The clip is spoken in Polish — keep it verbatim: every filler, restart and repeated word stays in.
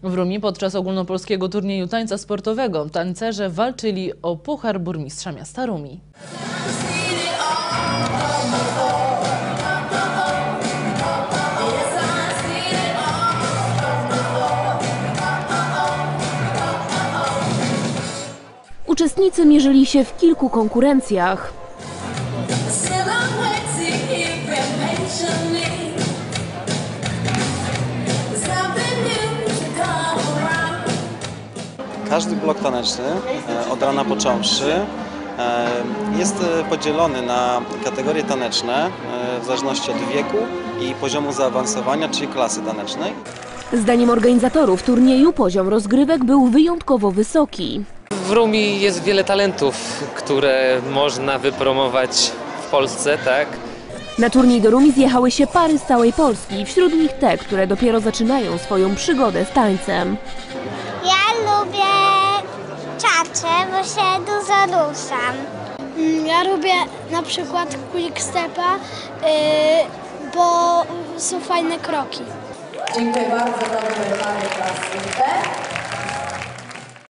W Rumi podczas ogólnopolskiego turnieju tańca sportowego tancerze walczyli o puchar burmistrza miasta Rumi. Uczestnicy mierzyli się w kilku konkurencjach. Każdy blok taneczny, od rana począwszy, jest podzielony na kategorie taneczne w zależności od wieku i poziomu zaawansowania, czyli klasy tanecznej. Zdaniem organizatorów turnieju poziom rozgrywek był wyjątkowo wysoki. W Rumi jest wiele talentów, które można wypromować w Polsce, tak? Na turniej do Rumi zjechały się pary z całej Polski, wśród nich te, które dopiero zaczynają swoją przygodę z tańcem. Ja lubię czacze, bo się dużo ruszam. Ja lubię na przykład quick stepa, yy, bo są fajne kroki. Dziękuję bardzo, dobry, mamy klasówkę.